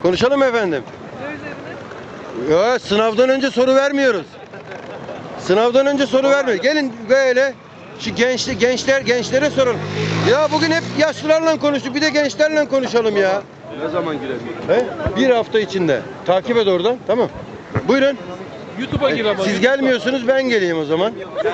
Konuşalım mı efendim? Ya, sınavdan önce soru vermiyoruz. Sınavdan önce soru vermiyoruz. Gelin böyle şu gençlere soralım. Ya bugün hep yaşlılarla konuştuk. Bir de gençlerle konuşalım ya. Ne zaman girelim? He? Bir hafta içinde. Takip et oradan. Tamam. Buyurun. YouTube'a gir ama. Siz gelmiyorsunuz, ben geleyim o zaman.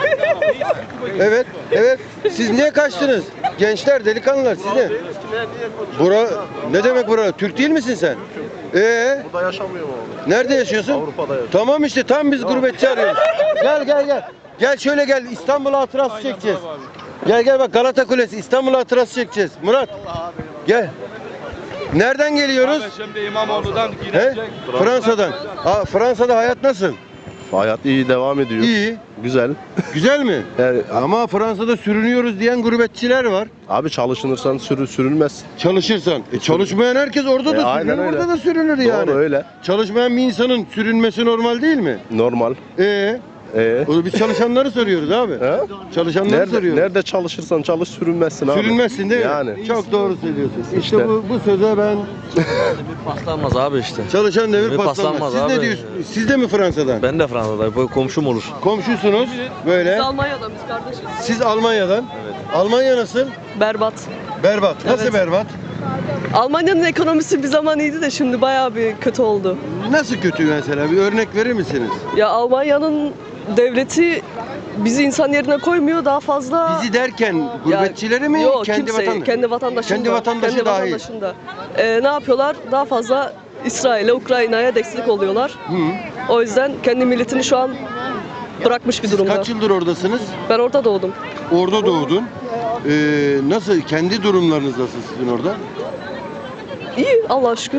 Evet, evet. Siz niye kaçtınız? Gençler, delikanlılar, siz ne? Bura, ne demek bura? Türk değil misin sen? Burada yaşamıyorum abi. Nerede yaşıyorsun? Avrupa'da yaşıyorum. Tamam işte, tam biz gurbetçi arıyoruz. Gel. Gel şöyle gel, İstanbul hatırası çekeceğiz. Gel bak, Galata Kulesi, İstanbul hatırası çekeceğiz. Murat, gel. Nereden geliyoruz? Şimdi İmamoğlu'dan He? girecek. Fransa'dan. Fransa'da hayat nasıl? Hayat iyi devam ediyor. İyi. Güzel. Güzel mi? Yani, Ama Fransa'da sürünüyoruz diyen gurbetçiler var. abi çalışılırsan sürülmez. Çalışırsan. Çalışmayan herkes orada da aynen sürünür, öyle. orada da sürünür yani. Doğru öyle. Çalışmayan bir insanın sürünmesi normal değil mi? Normal. Biz çalışanları soruyoruz abi. He? Çalışanları soruyoruz. Nerede çalışırsan çalış sürünmezsin abi. Sürünmezsin değil mi? Yani. Çok doğru söylüyorsun. İşte İşte. bu söze ben Paslanmaz abi işte. çalışan devir Devir paslanmaz. paslanmaz Siz ne abi. diyorsunuz? Siz de mi Fransa'dan? Ben de Fransa'dayım. Bu komşum olur. Komşusunuz böyle. Biz Almanya'dan, biz kardeşiz. Siz Almanya'dan. Almanya nasıl? Berbat. Berbat. Nasıl Evet. berbat? Almanya'nın ekonomisi bir zaman iyiydi de şimdi bayağı bir kötü oldu. Nasıl kötü mesela? Bir örnek verir misiniz? Ya Almanya'nın devleti bizi insan yerine koymuyor, daha fazla... Bizi derken gurbetçileri mi? Yok, kendi kimseyi, vatandaşı? kendi vatandaşında. Kendi vatandaşı kendi dahil. vatandaşında. Ne yapıyorlar? Daha fazla İsrail'e, Ukrayna'ya destek oluyorlar. O yüzden kendi milletini şu an bırakmış bir Siz durumda. kaç yıldır oradasınız? Ben orada doğdum. Orada doğdun. Nasıl? Kendi durumlarınız nasıl sizin orada? İyi, Allah'a şükür.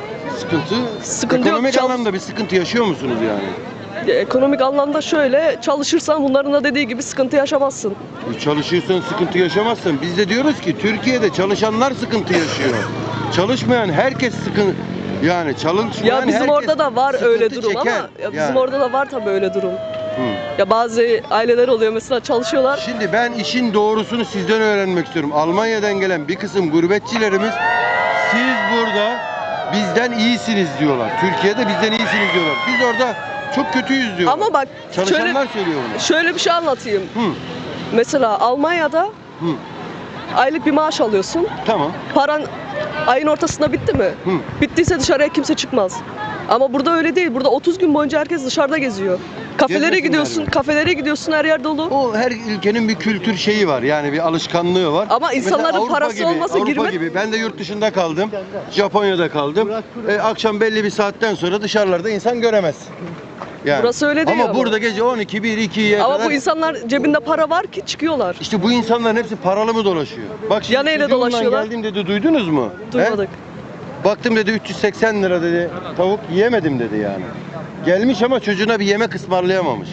Sıkıntı yok, ekonomik anlamda bir sıkıntı yaşıyor musunuz yani? Ya, ekonomik anlamda şöyle, çalışırsan bunların da dediği gibi sıkıntı yaşamazsın. Çalışıyorsan sıkıntı yaşamazsın. Biz de diyoruz ki Türkiye'de çalışanlar sıkıntı yaşıyor. Çalışmayan herkes sıkıntı, yani çalışmayan Ya bizim herkes orada da var sıkıntı öyle durum ama çeker. ya bizim Yani. orada da var tabii öyle durum. Hı. Ya bazı aileler oluyor mesela çalışıyorlar. Şimdi ben işin doğrusunu sizden öğrenmek istiyorum. Almanya'dan gelen bir kısım gurbetçilerimiz siz burada bizden iyisiniz diyorlar. Türkiye'de bizden iyisiniz diyorlar. Biz orada çok kötüyüz diyorlar. Ama bak Çalışanlar söylüyor bunu. şöyle bir şey anlatayım. Hı. Mesela Almanya'da Hı. aylık bir maaş alıyorsun. Tamam. Paran ayın ortasında bitti mi? Hı. Bittiyse dışarıya kimse çıkmaz. Ama burada öyle değil. Burada 30 gün boyunca herkes dışarıda geziyor. Kafelere Gezmesinler gidiyorsun, mi? kafelere gidiyorsun, her yer dolu. O her ülkenin bir kültür şeyi var. Yani bir alışkanlığı var. Ama insanların Mesela Avrupa parası gibi, olmasa Avrupa girme- gibi. Ben de yurt dışında kaldım. Japonya'da kaldım. Akşam belli bir saatten sonra dışarılarda insan göremez. Yani. Burası öyle değil ama. burada gece 12, 1, 2'ye Ama kadar. bu insanlar cebinde para var ki çıkıyorlar. İşte bu insanların hepsi paralı mı dolaşıyor? Bak şimdi Ya neyle çocuğumla dolaşıyorlar? geldim dedi, duydunuz mu? Duymadık. He? Baktım dedi 380 lira dedi. Tavuk yiyemedim dedi yani. Gelmiş ama çocuğuna bir yemek ısmarlayamamış.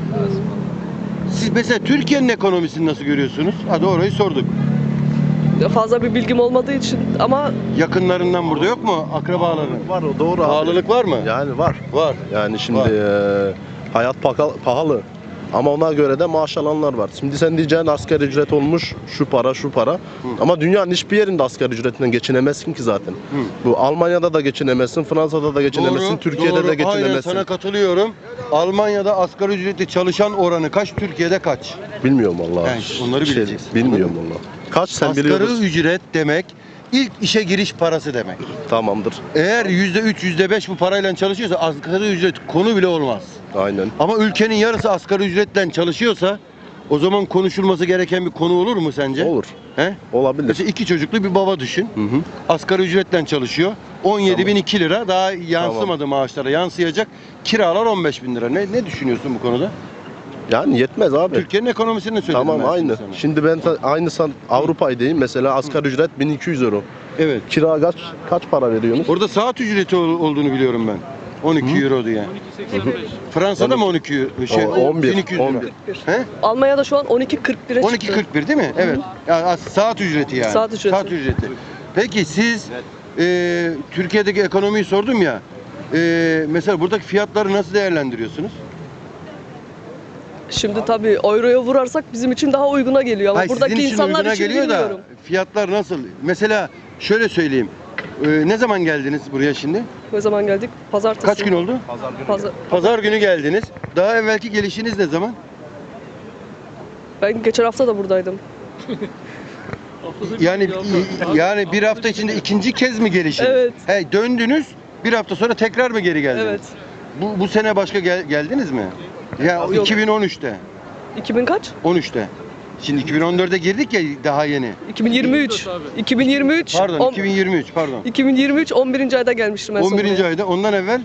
Siz mesela Türkiye'nin ekonomisini nasıl görüyorsunuz? Hadi orayı sorduk. Ya fazla bir bilgim olmadığı için ama Yakınlarından burada yok mu? Akrabaların? Var o doğru abi. Pahalılık var mı? Yani var. Var. Yani şimdi hayat pahalı. Ama ona göre de maaş alanlar var. Şimdi sen diyeceksin asgari ücret olmuş şu para. Ama dünyanın hiçbir yerinde asgari ücretinden geçinemezsin ki zaten. Bu Almanya'da da geçinemezsin, Fransa'da da geçinemezsin, Doğru, Türkiye'de doğru. de Aynen geçinemezsin. sana katılıyorum. Almanya'da asgari ücretli çalışan oranı kaç? Türkiye'de kaç? Bilmiyorum vallahi. Yani onları bileceksin. Bilmiyorum vallahi. Kaç sen Asgari biliyorsun? ücret demek ilk işe giriş parası demek. Tamamdır. Eğer %3, %5 bu parayla çalışıyorsa asgari ücret konu bile olmaz. Aynen. Ama ülkenin yarısı asgari ücretle çalışıyorsa o zaman konuşulması gereken bir konu olur mu sence? Olur. He? Olabilir. Mesela 2 çocuklu bir baba düşün. Hı hı. Asgari ücretle çalışıyor. 17.002 lira daha yansımadı maaşlara yansıyacak. Kiralar 15.000 lira. Ne düşünüyorsun bu konuda? Yani yetmez abi. Türkiye'nin ekonomisini söyledim Tamam ben aynı. sana. Şimdi ben aynı Avrupa'ydayım mesela asgari ücret 1200 euro. Evet. Kira kaç para veriyorsunuz? Orada saat ücreti olduğunu biliyorum ben. 12 euro diye. Fransa'da mı 12 11, 1200 lira? 11. He? Almanya'da şu an 12.41'e çıktı. 12.41 değil mi? Evet. Yani saat ücreti yani. Saat ücreti. Peki siz Türkiye'deki ekonomiyi sordum ya. Mesela buradaki fiyatları nasıl değerlendiriyorsunuz? Şimdi tabii euroya vurarsak bizim için daha uyguna geliyor ama Hayır, buradaki sizin için insanlar uyguna için geliyor bilmiyorum. da fiyatlar nasıl? Mesela şöyle söyleyeyim. Ne zaman geldiniz buraya şimdi? Ne zaman geldik? Pazartesi. Kaç gün oldu? Pazar günü geldiniz. Daha evvelki gelişiniz ne zaman? Ben geçen hafta da buradaydım. Yani bir hafta içinde ikinci kez mi gelişiniz? Evet. He, döndünüz. Bir hafta sonra tekrar mı geri geldiniz? Evet. Bu sene başka geldiniz mi? Ya Yok. 2013'te. 2000 kaç? 13'te. Şimdi 2014'e girdik ya daha yeni. 2023. 2023. Pardon 2023 pardon. 2023 11. ayda gelmiştim en son 11. buraya. ayda ondan evvel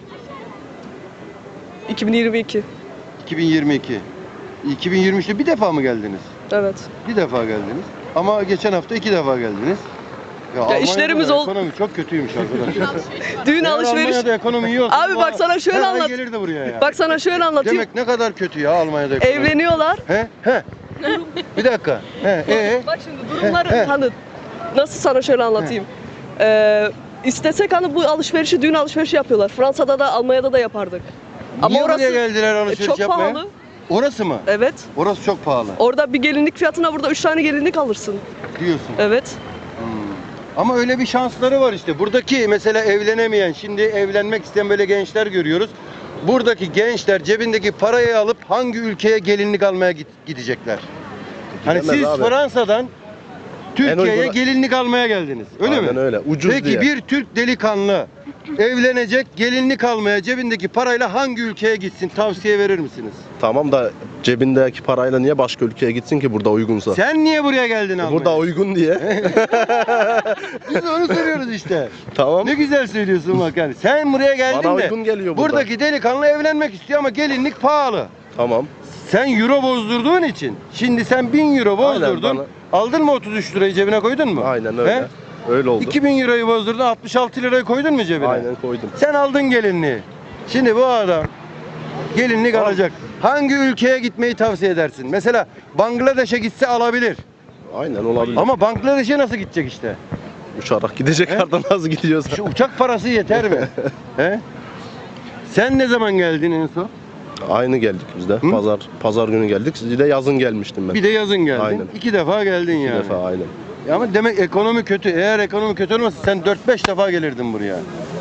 2022. 2022. 2023'te bir defa mı geldiniz? Evet. Bir defa geldiniz. Ama geçen hafta 2 defa geldiniz. Almanya'da işlerimiz da ol- Ekonomi çok kötüymüş arkadaşlar. Düğün Eğer alışveriş. Almanya'da ekonomi iyi olsa Abi bak sana şöyle anlat. gelirdi buraya ya. Bak sana şöyle anlatayım. Demek ne kadar kötü ya Almanya'da ekonomi. Evleniyorlar. He? Bir dakika. Bak şimdi durumları hani nasıl sana şöyle anlatayım. İstesek hani bu alışverişi düğün alışverişi yapıyorlar. Fransa'da da Almanya'da da yapardık. Niye buraya geldiler alışveriş çok yapmaya? pahalı. Orası mı? Evet. Orası çok pahalı Orada bir gelinlik fiyatına burada 3 tane gelinlik alırsın. diyorsun. Evet. Ama öyle bir şansları var işte. Buradaki mesela evlenemeyen, şimdi evlenmek isteyen böyle gençler görüyoruz. Buradaki gençler cebindeki parayı alıp hangi ülkeye gelinlik almaya gidecekler? Hani Gidemez siz abi. Fransa'dan Türkiye'ye uygun- gelinlik almaya geldiniz. Öyle Aynen mi? öyle. Ucuz Peki diye. bir Türk delikanlı evlenecek, gelinlik almaya cebindeki parayla hangi ülkeye gitsin? Tavsiye verir misiniz? Tamam da cebindeki parayla niye başka ülkeye gitsin ki burada uygunsa? Sen niye buraya geldin almaya? Burada uygun diye. Biz de onu söylüyoruz işte. Tamam. Ne güzel söylüyorsun bak yani. Sen buraya geldin Bana de uygun geliyor burada. buradaki delikanlı evlenmek istiyor ama gelinlik pahalı. Tamam. Sen euro bozdurduğun için şimdi sen 1000 euro bozdurdun. Aynen, Aldın mı 33 lirayı cebine koydun mu? Aynen öyle. He? Öyle oldu. 2000 euroyu bozdurdun 66 lirayı koydun mu cebine? Aynen koydum. Sen aldın gelinliği. Şimdi bu adam gelinlik alacak. Hangi ülkeye gitmeyi tavsiye edersin? Mesela Bangladeş'e gitse alabilir. Aynen olabilir. Ama Bangladeş'e nasıl gidecek işte? Uçarak gidecek He? yerden nasıl gidiyorsa. Şu uçak parası yeter mi? He? Sen ne zaman geldin en son? Aynı geldik biz de. Pazar günü geldik. Siz de yazın gelmiştim ben. Bir de yazın geldin. Aynen. 2 defa geldin Bir yani. defa aynen. Ama demek ekonomi kötü. Eğer ekonomi kötü olmasa sen 4-5 defa gelirdin buraya.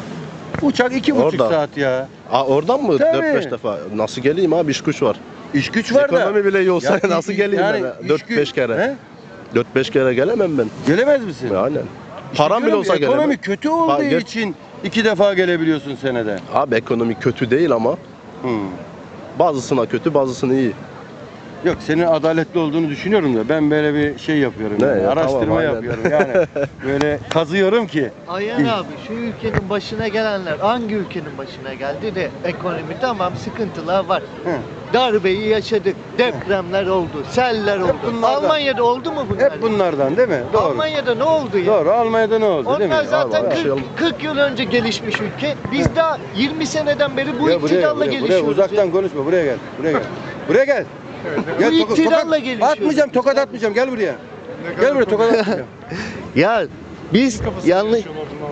Uçak 2,5 Orada. saat ya. Oradan mı? Tabii. 4-5 defa. Nasıl geleyim abi? İş güç var. İş güç var da. Ekonomi bile iyi olsa Ya, nasıl geleyim yani ben? iş 4-5 güç- kere. He? 4-5 kere gelemem ben. Gelemez misin? Aynen. İşte Param bile diyorum olsa ya, gelemem. Ekonomi kötü olduğu Hayır. için 2 defa gelebiliyorsun senede. Abi ekonomi kötü değil ama bazısına kötü, bazısına iyi. Yok senin adaletli olduğunu düşünüyorum da ben böyle bir şey yapıyorum. Ne yani, ya, araştırma tamam, aynen. yapıyorum yani. Böyle kazıyorum ki. Ayhan abi şu ülkenin başına gelenler hangi ülkenin başına geldi de ekonomi tamam sıkıntılar var. Hı. Darbeyi yaşadık, depremler oldu, seller oldu. bunlardan. Almanya'da oldu mu bunlar? Hep bunlardan değil mi? Doğru. Almanya'da ne oldu ya? Doğru. Almanya'da ne oldu değil mi? Onlar zaten Vallahi. 40 yıl önce gelişmiş ülke. Biz daha 20 seneden beri bu Ya buraya, iktidarla buraya gelişiyoruz. uzaktan ya. konuşma. Buraya gel. Buraya gel. Buraya gel. Gel, Bu iktidarla gelişiyoruz. Atmayacağım, tokat atmayacağım. Gel buraya. Gel buraya, tokat atmayacağım. Ya biz yanlış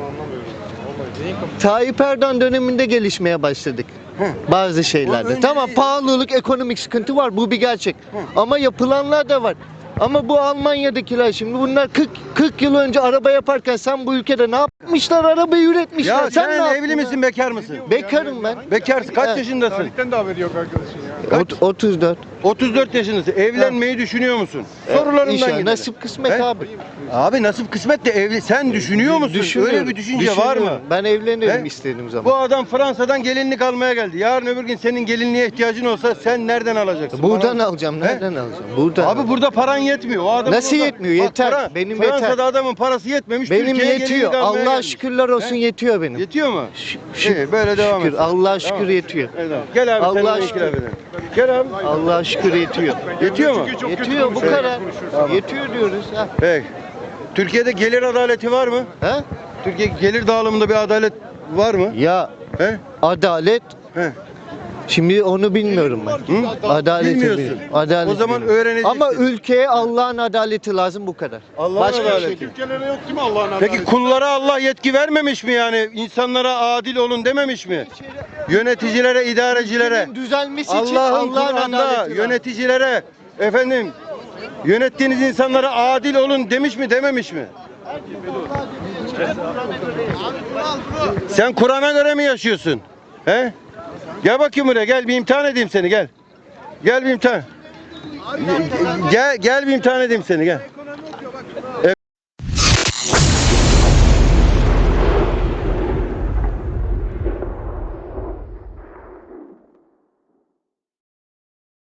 Tayyip Erdoğan döneminde gelişmeye başladık. Bazı şeylerde. önce Tamam değil. pahalılık, ekonomik sıkıntı var. Bu bir gerçek. Ama yapılanlar da var. Ama bu Almanya'dakiler şimdi bunlar 40 yıl önce araba yaparken sen bu ülkede ne yapmışlar? Arabayı üretmişler. Ya sen sen ne yaptın evli ya? misin, bekar mısın? Bekarım ben. Bekarsın. Kaç Evet. yaşındasın? Tarihten de haberi yok arkadaşın ya. 34. 34 yaşındasın. Evlenmeyi düşünüyor musun? Sorularından İnşallah. gidelim. Nasip kısmet He? abi. Abi nasip kısmet de evli. Sen düşünüyor musun? Düşünüyorum. Öyle bir düşünce var mı? Ben evlenirim He? istediğim zaman. Bu adam Fransa'dan gelinlik almaya geldi. Yarın öbür gün senin gelinliğe ihtiyacın olsa sen nereden alacaksın? Buradan Bana- alacağım. He? Nereden alacağım? Buradan. Abi burada paran yetmiyor. O adamın Nasıl yetmiyor? Yeter. Benim Fransa'da yeter. adamın parası yetmemiş. Benim Türkiye'ye yetiyor. gelinlik almaya Allah'a gelmiş. şükürler olsun He? yetiyor benim. Yetiyor mu? Şükür. İyi, böyle devam Şükür. et. Allah'a şükür Tamam. yetiyor. Evet, tamam. Gel abi Allah'a seninle şükür. itiraf edelim. Gel abi. Allah'a şükür yetiyor. Yetiyor mu? Yetiyor bu kadar. Yetiyor diyoruz. Ha. Peki. Türkiye'de gelir adaleti var mı? He? Türkiye gelir dağılımında bir adalet var mı? Ya He? adalet He. şimdi onu bilmiyorum ben. Hı? Adaleti Bilmiyorsun. bilmiyorum. Adalet O zaman bilmiyorum. öğreneceksin. Ama ülkeye Allah'ın adaleti lazım bu kadar. Allah'ın Başka bir adaleti. şey. Ülkelere yok değil mi Allah'ın Peki kullara Allah yetki vermemiş mi yani? İnsanlara adil olun dememiş mi? Yöneticilere, idarecilere. Ülkenin düzelmesi için Allah'ın Allah'ın Kur'an'da adaleti lazım. yöneticilere efendim yönettiğiniz insanlara adil olun demiş mi dememiş mi? Sen Kur'an'a göre mi yaşıyorsun? He? Gel bakayım buraya, gel bir imtihan edeyim seni, gel. Gel bir imtihan. Gel bir imtihan edeyim seni, gel.